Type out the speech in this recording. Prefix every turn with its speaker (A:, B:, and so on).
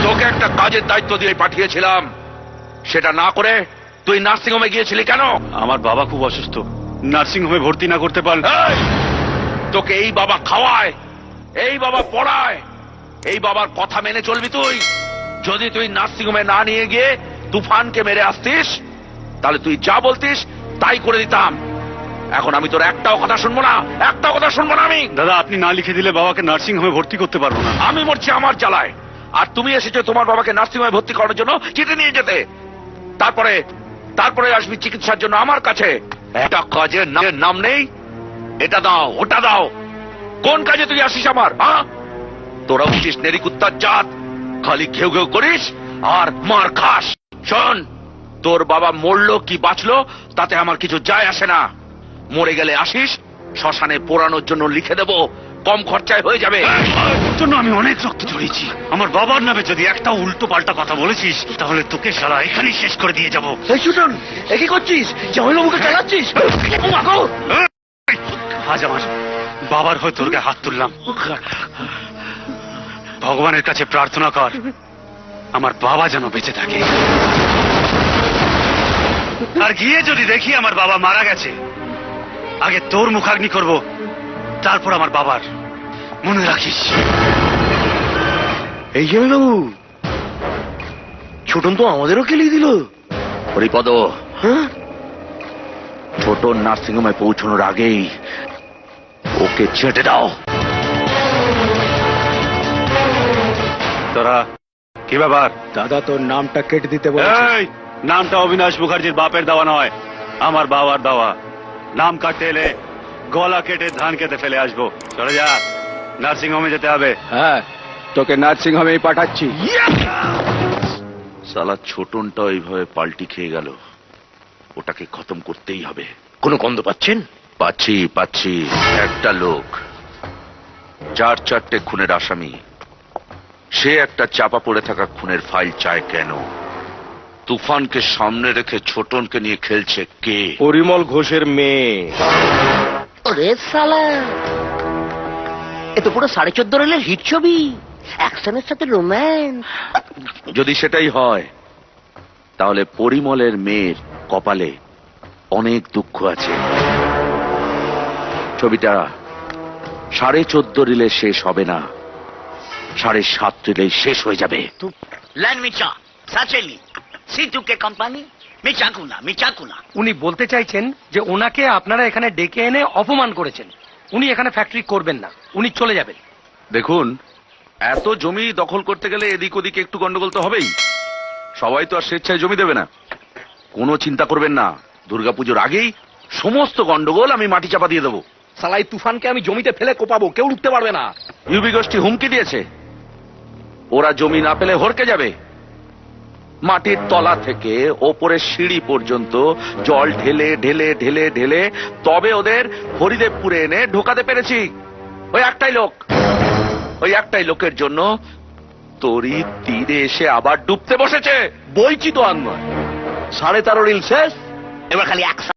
A: তোকে একটা কাজের দায়িত্ব দিয়ে পাঠিয়েছিলাম, সেটা না করে তুই নার্সিং হোমে গিয়েছিলি কেন?
B: আমার বাবা খুব অসুস্থ, নার্সিং হোমে ভর্তি না করতে পারলে।
A: এই, তোকে এই বাবা খাওয়ায়, এই বাবা পড়ায়, এই বাবার কথা মেনে চলবি তুই? যদি তুই নার্সিং হোমে না নিয়ে গিয়ে তুফানকে মেরে আসতিস, তাহলে তুই যা বলতিস তাই করে দিতাম। এখন আমি তোর একটাও কথা শুনবো না, একটাও কথা শুনবো না আমি।
B: দাদা, আপনি না লিখে দিলে বাবাকে নার্সিং হোমে ভর্তি করতে পারবো না।
A: আমি মরছি আমার জ্বালায়, আর তুমি এসেছো তোমার বাবাকে নার্সিং হোমে ভর্তি করার জন্য চিঠি নিয়ে যেতে। তারপরে তারপরে আসবি চিকিৎসার জন্য আমার কাছে। একটা কাজের নাম নেই, এটা দাও ওটা দাও। কোন কাজে তুই আসিস আমার? হ্যাঁ, তোরা উঠিস নেরিকুত্তার জাত, খালি ঘেউ ঘেউ করিস আর মার খাস। শোন, তোর বাবা মরলো কি বাঁচলো তাতে আমার কিছু যায় আসে না। মরে গেলে আসিস, শ্মশানে পোড়ানোর জন্য লিখে দেবো, কম খরচায় হয়ে যাবে।
B: তোর জন্য আমি অনেক রক্ত ঝরিয়েছি। আমার বাবার নামে যদি একটা উল্টো পাল্টা কথা বলেছিস, তাহলে তোকে শালা এখানেই শেষ করে দিয়ে যাবো।
A: এই সুটন, এ কি করছিস? জামাইবাবুকে চালাচ্ছিস?
B: আজ আমার বাবার হয়ে তোর গায়ে হাত তুললাম। ভগবানের কাছে প্রার্থনা কর আমার বাবা যেন বেঁচে থাকে। আর গিয়ে যদি দেখি আমার বাবা মারা গেছে, আগে তোর মুখাগ্নি করব, তারপর আমার বাবার। মনে রাখিস।
A: এই জামাইবাবু, ছোটন তো আমাদেরও খেলিয়ে দিল। হরিপদ, ছোট নার্সিং হোমে পৌঁছানোর আগেই ওকে ছেটে দাও।
B: তোরা কি ব্যাপার?
C: দাদা তোর নামটা কেটে দিতে বলেছে।
B: এই, নামটা অবিনাশ মুখার্জির বাপের দেওয়া নয়, আমার বাবার দেওয়া। নাম কাটতে এলে গলা কেটে ধান কেটে ফেলে আসবো। চলে যা, নার্সিং হোমে যেতে হবে।
C: হ্যাঁ, তোকে নার্সিং হোমেই পাঠাচ্ছি।
A: সালা ছোটনটা ওইভাবে পাল্টি খেয়ে গেল, ওটাকে খতম করতেই হবে। কোনো গন্ধ পাচ্ছেন? পাচ্ছি পাচ্ছি। একটা লোক, 4-4টে খুনের আসামি, সে একটা চাপা পড়ে থাকা খুনের ফাইল চায় কেন? তুফানকে সামনে রেখে ছোটনকে নিয়ে খেলছে কে?
C: পরিমল ঘোষের মেয়ে।
D: ওরে শালা, এ তো পুরো 14.5 রেলের হিট ছবি, অ্যাকশনের সাথে রোম্যান্স।
A: যদি সেটাই হয়, তাহলে পরিমলের মেয়ের কপালে অনেক দুঃখ আছে। ছবিটা 14.5 রিলে শেষ হবে না, 7.5 রিলেই শেষ হয়ে যাবে।
D: ল্যান্ড মিচা সাচেলি সিটু কে কোম্পানি মিচাকুনা মিচাকুনা।
E: উনি বলতে চাইছেন যে ওনাকে আপনারা এখানে ডেকে এনে অপমান করেছেন। উনি এখানে ফ্যাক্টরি করবেন না, উনি চলে যাবেন।
A: দেখুন, এত জমি দখল করতে গেলে এদিক ওদিকে একটু গন্ডগোল তো হবেই। সবাই তো আর স্বেচ্ছায় জমি দেবে না। কোনো চিন্তা করবেন না, দুর্গাপুজোর আগেই সমস্ত গন্ডগোল আমি মাটি চাপা দিয়ে দেবো। সালাই তুফানকে আমি জমিতে ফেলে কোপাবো, কেউ উঠতে পারবে না। ইউবি গোষ্ঠী হুমকি দিয়েছে, ওরা জমি না পেলে হরকে যাবে। মাটির তলা থেকে ওপরের সিঁড়ি পর্যন্ত জল ঢেলে ঢেলে ঢেলে ঢেলে তবে ওদের হরিদেবপুরে এনে ঢোকাতে পেরেছি। ওই একটাই লোকের জন্য তরি তীরে এসে আবার ডুবতে বসেছে। বইছি তো আর নয়। 13.5 রিল শেষ,
D: এবার খালি এক